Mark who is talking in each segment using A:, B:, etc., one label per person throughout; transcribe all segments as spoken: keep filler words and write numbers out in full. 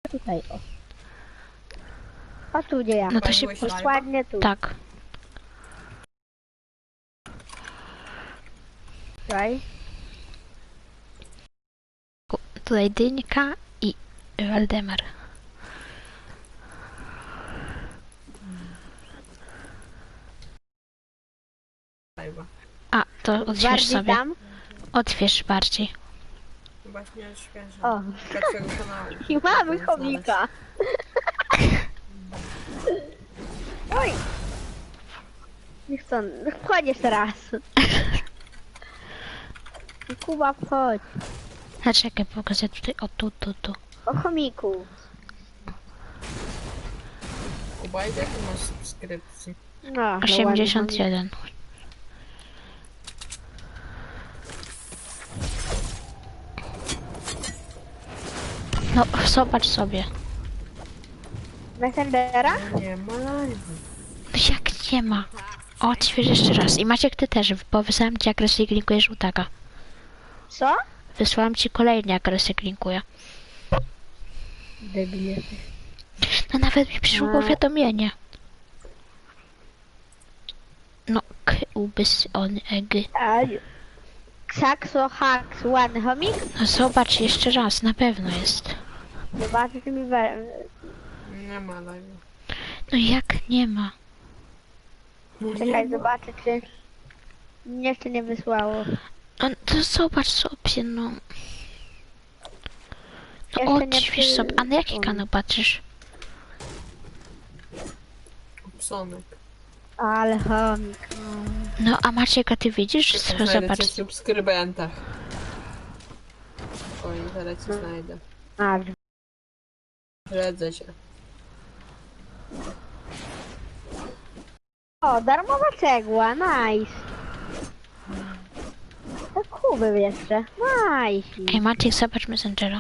A: Tutaj, o. O tu gdzie ja.
B: No to się...
C: Paliłeś live'a?
A: Dokładnie tu.
B: Tak.
A: Tutaj.
B: Tutaj Dynka i Waldemar.
C: Live'a.
B: A, to otwierz
A: Bardziej
B: sobie.
A: tam.
B: Otwierz bardziej.
C: Właśnie świeży.
A: O.
C: Dla twojego kanału.
A: I mamy chomika. Oj. Niech to, wchodź jeszcze raz. Kuba, wchodź.
B: A czekaj, pokażę tutaj, o tu, tu, tu.
A: O chomiku.
C: Kuba, ile ty masz subskrypcji?
A: No,
B: osiemdziesiąt jeden. No, zobacz sobie.
A: Messengera?
C: Nie ma live'a.
B: No jak nie ma? Otwierz jeszcze raz. I Maciek, ty też, bo wysłałem ci jak linkujesz żółtaka.
A: Co?
B: Wysłałem ci kolejny jak linkuję.
A: Debil jesteś.
B: No nawet mi przyszło
A: A.
B: powiadomienie. No, k ubys on eg.
A: Saxo Hax, ładny chomik?
B: No zobacz jeszcze raz, na pewno jest.
A: Zobaczcie mi we...
C: Nie ma live'a.
B: No jak nie ma?
C: No
A: Czekaj,
C: nie ma.
A: zobaczę czy... Mnie jeszcze nie wysłało.
B: No to zobacz sobie, no. No
A: Jeszcze nie
B: odśwież
A: przy-
B: sobie. A na jaki kanał patrzysz?
C: Psonek.
A: Ale chomik.
B: No a Maciek, a ty widzisz?
C: Czekaj,
B: Co,
C: znajdę
B: zobacz.
C: cię w subskrybentach. Spokojnie, zaraz cię znajdę.
A: A,
C: Śledzę cię.
A: o, darmowa cegła, nice. To kuby jeszcze, nice.
B: Ej Maciek, zobacz Messengera.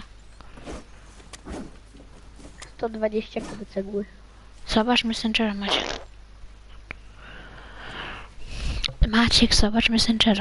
A: sto dwadzieścia kuby cegły.
B: Zobacz Messengera, Maciek. Maciek, zobacz Messengera.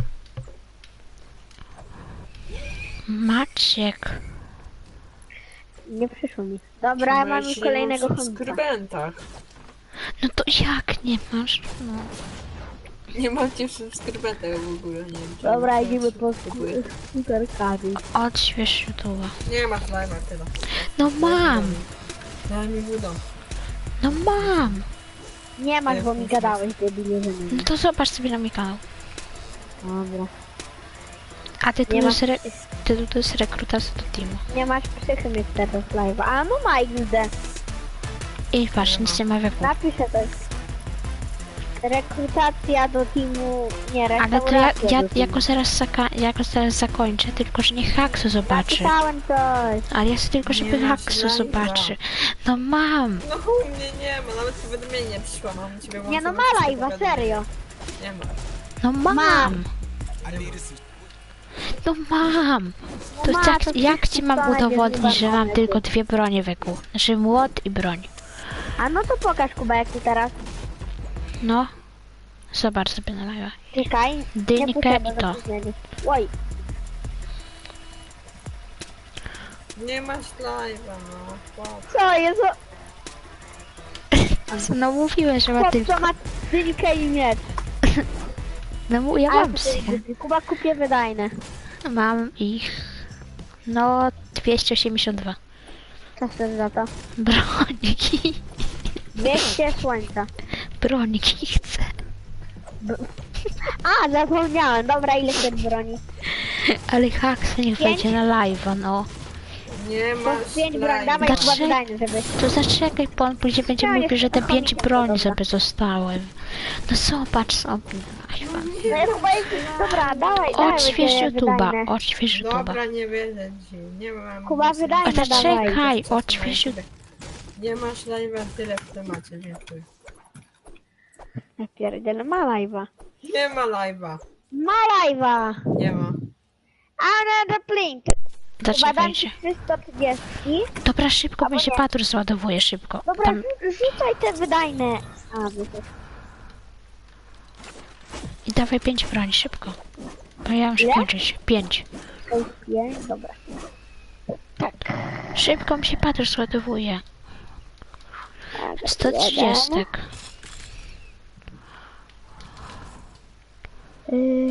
B: Maciek.
A: Nie przyszło mi. Dobra, ja mam
C: Bo
A: już
C: się nie
A: kolejnego
C: mam w
A: chomika.
C: subskrybentach.
B: No to jak nie masz? No.
C: Nie macie w subskrybentach w ogóle, nie wiem. czy
A: Dobra,
C: macie
A: idziemy po
C: subskrybuję.
A: skuterkami.
B: Odśwież YouTube'a.
C: Nie masz live'a, tyle.
B: No mam!
C: Daj mi budą.
B: No mam!
A: Nie masz, bo mi gadałeś, debilie, że
B: No
A: nie.
B: to zobacz sobie na mój kanał.
A: Dobra.
B: A ty tu
A: Nie
B: jest,
A: masz,
B: re ty tu jest rekrutacja do teamu.
A: nie masz psychy mieć teraz live'a. A no ma X D.
B: I patrz, nic nie ma wieku.
A: Napiszę coś. Rekrutacja do teamu, nie,
B: Ale to ja,
A: restauracja
B: ja
A: do teamu.
B: jako zaraz, zaka jako zaraz zakończę, tylko że niech Haksu zobaczy.
A: Napisałem coś.
B: Ale ja chcę tylko, żeby
C: Nie masz
B: Haksu
C: live'a.
B: zobaczy. No mam!
C: No u mnie nie ma, nawet powiadomienie nie przyszło, mam ciebie
A: Nie no,
C: włączone
A: ma
C: wszystkie
A: live'a,
C: powiadomienia.
A: serio.
C: Nie ma.
B: No mam!
A: Mam.
B: No mam! To
A: ma,
B: jak,
A: to
B: jak
A: wszystko
B: ci mam
A: będzie
B: udowodnić, że mam
A: zjebane.
B: tylko dwie bronie wieku? Znaczy młot i broń.
A: A no to pokaż Kuba, jak ty teraz.
B: No. Zobacz sobie na live'a.
A: Czekaj.
B: Dynkę
A: nie potrzeba
B: i to.
A: zapóźnienia. Oj,
C: Nie masz live'a, no. Chłop.
A: co jest?
B: No mówiłem, że ma
A: Chłop,
B: tylko...
A: co ma dynkę i miecz.
B: No mu- ja
A: Ale
B: mam
A: to
B: psy.
A: jest- Kuba kupię wydajne.
B: Mam ich... No, dwieście osiemdziesiąt dwa.
A: Co chcesz za to?
B: Broniki.
A: dwieście słońca.
B: Broniki chcę.
A: A, zapomniałem. Dobra, ile chcesz broni?
B: Ale Haks niech
A: Pięć?
B: wejdzie na live'a, no.
C: Nie
A: To
C: masz
A: pięć broni,
C: live'a.
A: dawaj Kuba
B: Dlaczego?
A: wydajne, żeby...
B: To zaczekaj, bo on później będzie
A: Ja
B: mówił,
A: nie
B: że te
A: chcę
B: pięć
A: chomika,
B: broni
A: dobra.
B: sobie zostały. No zobacz sobie na live'a.
A: No ja Kuba jest... Dobra, dawaj, dawaj.
B: Odśwież
A: będzie
B: YouTube'a,
A: wydajne.
B: odśwież YouTube'a.
C: Dobra, nie wierzę ci. Nie mam...
A: Kuba, wydaj
B: A
A: no dawaj.
B: zaczekaj, odśwież YouTube'a.
C: Nie masz live'a, tyle w temacie, dziękuję.
A: Ja pierdzielę, ma live'a.
C: Nie ma live'a.
A: Ma live'a.
C: Nie ma.
A: Another plink. Kuba, dam
B: Zaczekajcie.
A: ci trzysta trzydzieści.
B: Dobra, szybko,
A: Albo
B: bo się
A: nie.
B: patur zładowuje szybko.
A: Dobra,
B: Tam,
A: rzu- rzucaj te wydajne. A, wyszło.
B: I dawaj pięć broni, szybko. Bo ja muszę
A: Ile?
B: kończyć. Pięć.
A: Pięć, dobra.
B: Tak. Szybko mi się patrz zładowuje.
A: Tak,
B: sto trzydzieści.
A: Yy,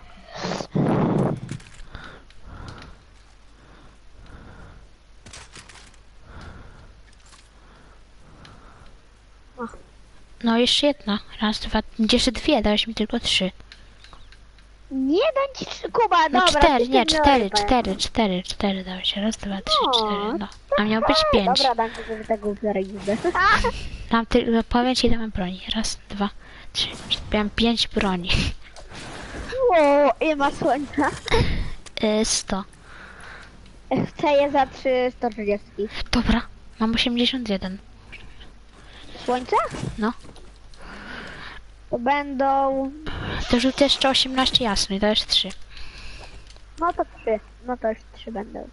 B: No jeszcze jedna. Raz, dwa, jeszcze dwie, dałeś mi tylko trzy.
A: nie dam ci trzy, Kuba,
B: No
A: dobra.
B: cztery,
A: ty
B: nie,
A: się
B: cztery,
A: rypaj.
B: cztery, cztery, cztery dałeś. Raz, dwa, trzy,
A: No,
B: cztery, no. A miał być pięć.
A: Dobra, dam ci żeby tego zarejestrę.
B: Mam tylko, powiem ci ile mam broni. Raz, dwa, trzy, cztery. Miałem pięć broni.
A: O, ile ma słońca?
B: Yy, sto.
A: Chcę je za trzy, sto trzydzieści.
B: Dobra, mam osiemdziesiąt jeden.
A: Słońce?
B: No.
A: To będą...
B: To rzucę jeszcze osiemnaście jasno i to jest trzy.
A: No to trzy. No to już trzy będą.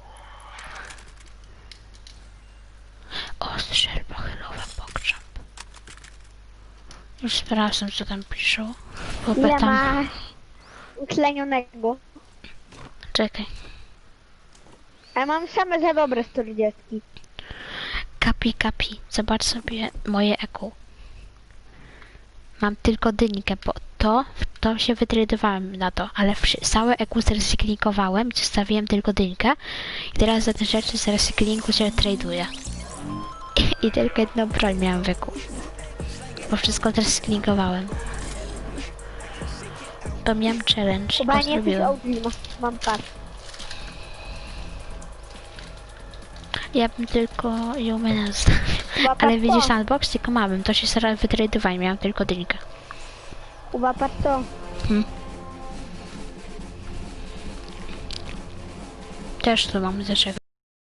B: O, strzelba chylowa, pokrzep. Już sprawdzam co tam piszą. Bo
A: Ile
B: tam...
A: masz utlenionego?
B: Czekaj.
A: Ja mam same za dobre sto trzydzieści.
B: Kapi, kapi. Zobacz sobie moje E Q. Mam tylko dynkę, bo to, to się wytradowałem na to, ale wszy- całe E Q zrecyklinkowałem i zostawiłem tylko dynkę. I teraz za te rzeczy z recyklingu się traduję. I, I tylko jedną broń miałem w E Q. Bo wszystko zrecyklinkowałem. To miałem challenge,
A: Chyba
B: go
A: nie jesteś
B: zrobiłem.
A: O G, mam, mam patrz.
B: Ja bym tylko ją menę zostawił.
A: Chyba
B: Ale
A: patrz
B: widzisz
A: to.
B: sandbox, tylko mamy. To się zaraz wytradowałem, miałem tylko dynkę.
A: Chyba patrz to.
B: Hmm. Też tu mam ze czego.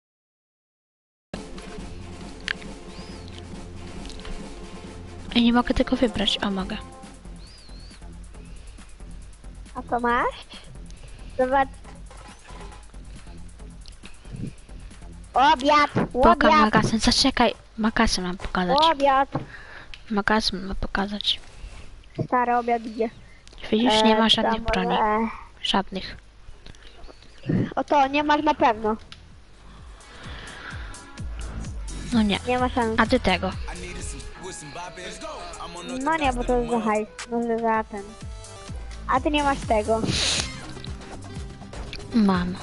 B: I nie mogę tego wybrać. O, mogę.
A: A co masz? Zobacz. Obiad!
B: Poka
A: Obiad!
B: magazyn. Zaczekaj. Magazyn mam pokazać.
A: Obiad!
B: Magazyn mam pokazać.
A: Stary obiad idzie.
B: Widzisz, nie ma
A: E,
B: żadnych
A: tam,
B: broni.
A: e,
B: Żadnych.
A: O to, nie masz na pewno.
B: No nie.
A: Nie ma szans.
B: A ty tego.
A: No nie, bo to jest za hajs. Może za ten. A ty nie masz tego.
B: Mam.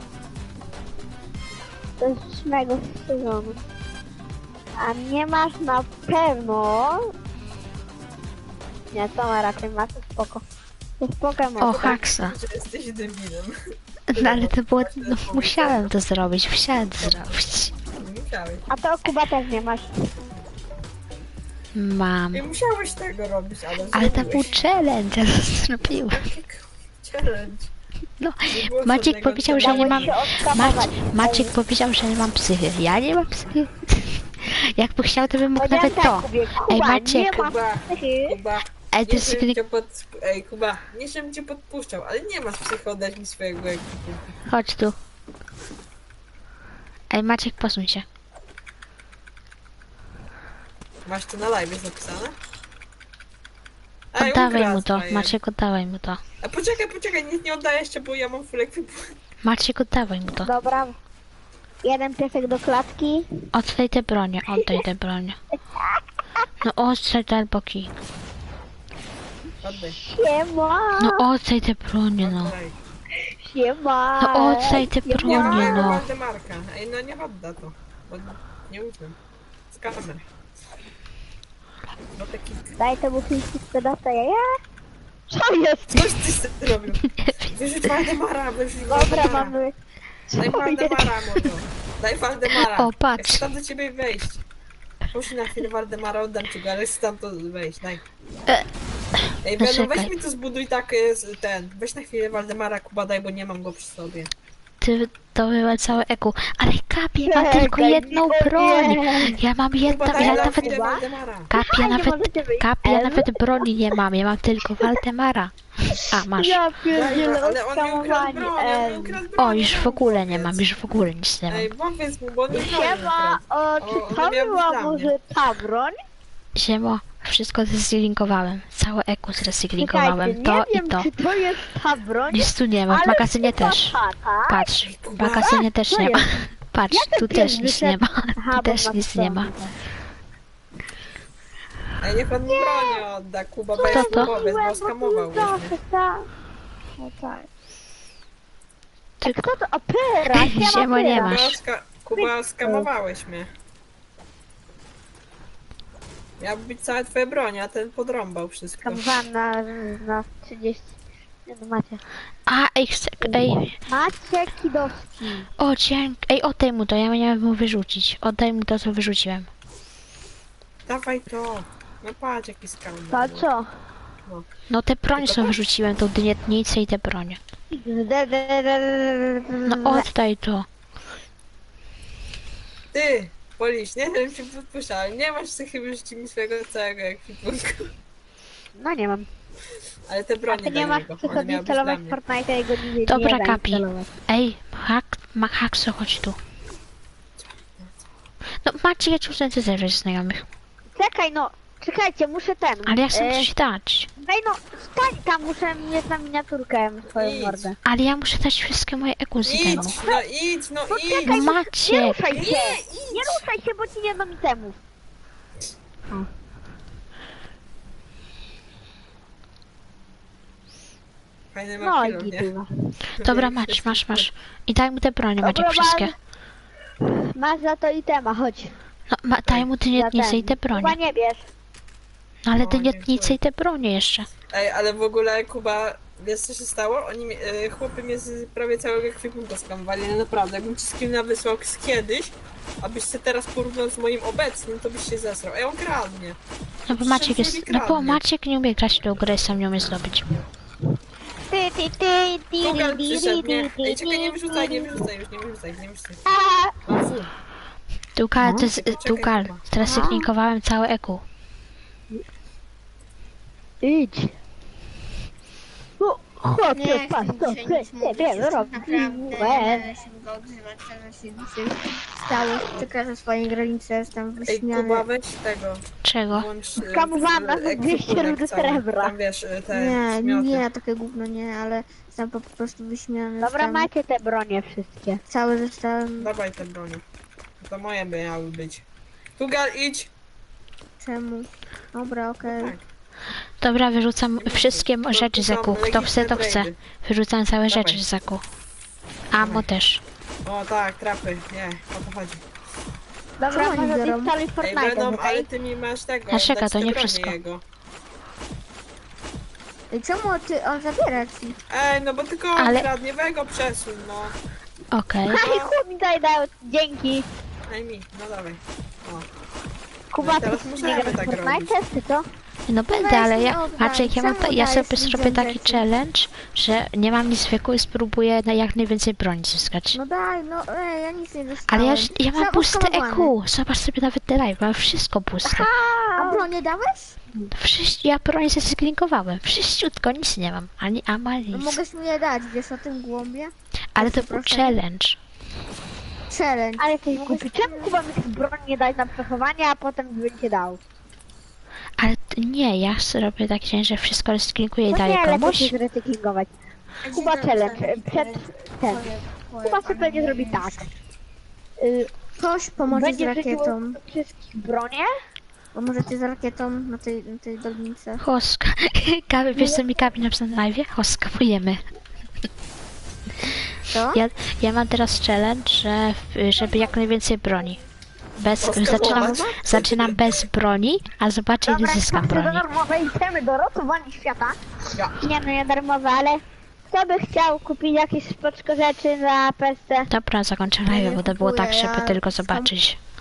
A: To jest z ósmego sezonu. A nie masz na pewno... Nie, to ma raczej ma, to spoko. To spoko ma.
B: O, haksa.
C: Że jesteś debilem.
B: No ale to było... No, musiałem to zrobić. Musiałem to zrobić.
C: Nie musiałeś.
A: A to Kuba też nie masz.
B: Mam.
C: Nie musiałeś tego robić, ale
B: Ale to był
C: zrobiłeś.
B: challenge, ja to zrobiłem.
C: Challenge.
B: No,
C: Nie było
B: Maciek
C: żadnego
B: powiedział, że nie
A: Dałeś
B: mam...
A: się
B: Mac...
A: odskamować.
B: Maciek powiedział, że nie mam psychy. Ja nie mam psychy. Jakby chciał, to bym mógł
A: Powiedziałem
B: nawet to.
A: tak, Kubie,
B: Ej,
A: Kuba,
B: Maciek.
A: nie ma
C: Kuba,
A: psychy.
C: Kuba,
B: Ej, to
C: nie
B: jest...
C: żebym cię pod... Ej, Kuba, nie żebym cię podpuszczał, ale nie masz psycho, oddać mi swojego ekwipu.
B: Chodź tu. Ej, Maciek, posuń się.
C: Masz to na live, jest napisane? Ej,
B: Oddawaj
C: ukradł
B: mu to.
C: moje.
B: Maciek, oddawaj mu to.
C: A poczekaj, poczekaj, nic nie oddaję jeszcze, bo ja mam full ekwipu.
B: Maciek, oddawaj mu to.
A: Dobra. Jeden piesek do klatki.
B: Oddaj te bronie, oddaj te bronie. No oddaj te boki.
C: Oddaj.
A: Siema.
B: No oddaj te bronie, no.
C: Oddaj.
A: Siema.
B: No oddaj te
A: Siema.
C: Nie ma
B: bronie,
C: mojego
B: no.
C: Waldemarka. Ej, no nie odda to. Bo nie ufam. Z kamer. No taki...
A: Daj temu filmiku sprzedawca jaja. Co jest?
C: Coś ty sobie zrobił. Wyrzuć Waldemara, wyrzuć
A: Dobra,
C: Waldemara.
A: mamy...
C: Daj
A: Co jest?
C: Waldemara, mordo. Daj Waldemara.
B: O, patrz.
C: Ja chcę tam do ciebie wejść. Puść na chwilę Waldemara, oddam ci go, ale chcę tam to wejść, daj.
B: E,
C: Ej, Beno, weź
B: poczekaj.
C: mi to zbuduj tak, e, z- ten, weź na chwilę Waldemara, Kuba, daj, bo nie mam go przy sobie.
B: Ty to była całe E Q. Ale Kapie ma
A: Czekaj,
B: tylko jedną
A: nie.
B: broń. Ja mam
C: Kuba,
B: jedną,
C: daj
B: ja
C: na
B: nawet...
C: chwilę Waldemara.
B: Kapie
A: A, nie
B: nawet...
A: możecie wyjść.
B: Kapie ja
A: Em?
B: nawet broni nie mam, ja mam tylko Waldemara. A, masz.
A: Ja
C: Daj,
A: pierdzielę,
C: ale on mi ukradł
A: oskamowani.
C: broń, on mi
A: em.
C: ukradł broń.
B: O, już w
C: no,
B: ogóle nie
C: powiedz.
B: mam, już w ogóle nic nie mam.
C: Ej, powiedz mu, bo on mi broń
A: Siema,
C: ukradł.
A: o,
C: O,
A: czy
C: ona
A: to
C: miała być
A: była
C: dla
A: może ta broń?
B: Siemo, wszystko zrecyklingowałem. Całe E Q
A: Czekajcie,
B: zrecyklingowałem.
A: nie
B: To
A: wiem,
B: i to.
A: czy to jest ta broń,
B: Nic tu nie ma, w
A: ale
B: magazynie
A: chyba
B: też.
A: ta, tak?
B: Patrz, w magazynie też
A: Co
B: nie ma.
A: jest?
B: Patrz,
A: Ja ten
B: tu
A: pies
B: też nic nie
A: wyszedł.
B: ma.
A: Aha,
B: Tu
A: bo
B: też
A: ma
B: nic nie ma.
A: stronę.
C: Ej, niech on mi broni odda, Kuba,
A: Co
C: bo
A: ja
C: jest
B: to?
C: kupowiec, bo
A: zrobiłem?
C: skamował
A: No,
C: mnie.
A: to tak. No tak. A
B: Tylko
A: kto to? Opera!
B: Ziemo nie ma.
C: Kuba, ska Kuba, skamowałeś mnie. Miał być całe twoje broń, a ten podrąbał wszystko.
A: Kamowałam na, na trzydzieści. Nie no macie.
B: A, ej, chcę, ej,
A: Macie kidowski.
B: o dzięki, ej, oddaj mu to, ja miałem mu wyrzucić. Oddaj mu to, co wyrzuciłem.
C: Dawaj to. No patrz, jaki skam.
A: To co?
B: No te broń
C: Tylko
B: co
C: tak.
B: wyrzuciłem, tą dynietnicę i te broń.
A: De, de, de, de,
B: No oddaj to.
C: Ty, Polisz, nie wiem, czy podpuszczałem. Nie masz ty chyba rzucić mi swojego całego ekwipunku.
A: No nie mam.
C: Ale te
A: A
C: broni
A: ty
C: dla
A: nie masz
C: niego,
A: co
C: one miały być dla
A: instalować
C: mnie.
A: Fortnite'a i go nie, nie
B: Dobra,
A: da
B: Kapi.
A: instalować.
B: Ej, hak, ma hakso, chodź tu. No macie ja czuję zebrać znajomych.
A: Czekaj no, czekajcie, muszę ten.
B: Ale ja chcę
A: e,
B: coś dać.
A: Daj no, stań tam, muszę mieć na miniaturkę swoją
C: Idź.
A: mordę.
B: Ale ja muszę dać wszystkie moje ekusy temu.
C: Idź, no idź, no idź.
A: Poczekaj,
B: No
A: Nie
B: macie.
A: ruszaj się!
C: Nie,
A: Nie ruszaj się, bo ci nie dam itemów.
C: Fajny
A: No
C: ma
A: i
C: pilot, nie?
A: gitywa.
B: Dobra, masz, masz, masz. I daj mu te bronie, macie
A: Dobra,
B: wszystkie.
A: Masz za to itema, chodź.
B: No, ma, daj mu
A: Za
B: dynietnicę i te
A: Chyba
B: bronie.
A: nie bierz.
B: No ale
C: O,
B: dynietnicę
C: dziękuję.
B: i te bronie jeszcze.
C: Ej, ale w ogóle Kuba, wiesz co się stało? Oni, mi- e, chłopy mnie z prawie całego ekwipunku skamowali, ale naprawdę, jakbym ci screena wysłał z kiedyś, abyś się teraz porównał z moim obecnym, to byś się zesrał. Ej, on kradnie.
B: No bo
C: Przecież
B: Maciek
C: on
B: jest,
C: sobie
B: no bo
C: kradnie.
B: Maciek nie umie grać w tą grę, sam nie umie zdobyć.
A: Ty, ty, ty, ty,
C: Tugal
A: ty,
C: przyszedł,
A: ty,
C: nie?
A: ty,
C: Ej, czekaj, nie
A: ty,
C: wyrzucaj, nie
A: ty.
C: wyrzucaj już, nie wyrzucaj, nie wyrzucaj.
A: A,
C: Mam full.
B: Tugal,
A: No,
B: to jest,
C: czekaj,
B: Tugal,
C: Kuba.
B: teraz
A: Aha.
B: syknikowałem całe eku.
A: Idź. O, Chłopie,
D: Nie
A: patrz,
D: chcę
A: to
D: dzisiaj
A: ty,
D: nic
A: ty,
D: mówić,
A: ty,
D: już
A: robisz.
D: naprawdę nie będę się go odzywać, co się dzisiaj stało. Przekażę swoje granice, jestem
C: Ej, Kuba,
D: wyśmiany.
C: weź tego.
B: Czego?
C: Włącz e,
A: Skamowałam nas
C: ekwipunek
A: dwieście rudy
C: cały.
A: srebra.
C: Tam wiesz, e, te
D: Nie,
C: smioty.
D: nie, takie gówno nie, ale jestem po prostu wyśmiany.
A: Dobra,
D: jestem
A: macie te bronie wszystkie.
D: Cały zostałem,
C: Dawaj te broni. To moje by miały być. Tugal, idź!
D: czemu? Dobra, okej.
C: Tak.
B: Dobra, wyrzucam wszystkie
C: To-
B: rzeczy
C: to
B: z
C: są
B: eku. Kto chce, to chce.
C: legitimate
B: Wyrzucam całe
C: Dawaj.
B: rzeczy z eku. Amo też.
C: raidy. O tak, trapy, nie, o to chodzi.
A: Dobra,
D: Co oni
A: może
D: biorą?
A: instaluj
C: Ej,
A: Fortnite,
C: Venom, ale
A: okej?
C: ty mi masz tego,
B: A czeka,
C: dać
B: to
C: te
B: nie
C: bronie
B: wszystko.
C: Jego.
D: I czemu ty, on zabiera ci?
C: Ej, no bo tylko
B: Ale-
C: ale... kradnie, weź go przesuń, no.
B: Okej.
A: Aj, chłop mi daj, dał, dzięki.
C: Daj mi, no dawaj. O.
A: Kuba,
C: No i
A: ty
C: teraz
A: nie
C: możemy
A: grasz w
C: tak
A: Fortnite, czy co?
B: No będę,
D: Weź
B: ale
D: mi
B: ja,
D: oddaj.
B: Maciek, ja, mam,
D: Czemu
B: ja
D: dajesz
B: sobie
D: mi
B: zrobię taki
D: rzeczy?
B: challenge, że nie mam nic w eku i spróbuję na jak najwięcej broni zyskać.
D: No daj, no ej, ja nic nie dostałem.
B: Ale ja, ja mam
D: Sam
B: puste
D: oskamowany.
B: eku. Zobacz sobie nawet te live, mam wszystko puste.
D: A bronię dałeś?
B: Wszyscy, ja broń zesklinkowałem. Wszyściutko, nic nie mam. Ani ama,
D: No
B: nic.
D: mogłeś mi je dać, wiesz o tym głąbie?
B: Ale to był
D: proszę.
B: challenge.
D: Challenge.
A: Ale jesteś głupi. Czemu Kuba mi tych broń nie dać na przechowanie, a potem by cię dał?
B: Ale t- nie, ja zrobię tak, że wszystko rozklinkuję i
A: To
B: daję
A: nie, lepiej
B: komuś.
A: się zrecyklingować. Kuba challenge, y, przed ten. Kuba sobie pewnie zrobi tak. Y,
D: Ktoś pomoże z
A: Będzie rzucił
D: rakietą.
A: wszystkich bronie,
D: Pomożecie z rakietą na tej, na tej dolnicy.
B: Hoska. Kawy, wiesz co mi Kawi napisał na live? Hoskapujemy.
D: Co?
B: Ja, ja mam teraz challenge, że, żeby jak najwięcej broni. Bez, zaczynam, zaczynam bez broni, a zobaczę ile
A: dobra,
B: zyskam
A: czasy do
B: broni.
A: darmowej itemy do ratowania świata.
C: Ja.
A: Nie no, nie darmowe, ale kto by chciał kupić jakieś spoczko rzeczy na P S C?
B: Dobra, zakończę
D: Ja nie
B: live, bo to było
D: kupuję,
B: tak, żeby
D: ja
B: tylko
D: sam-
B: zobaczyć.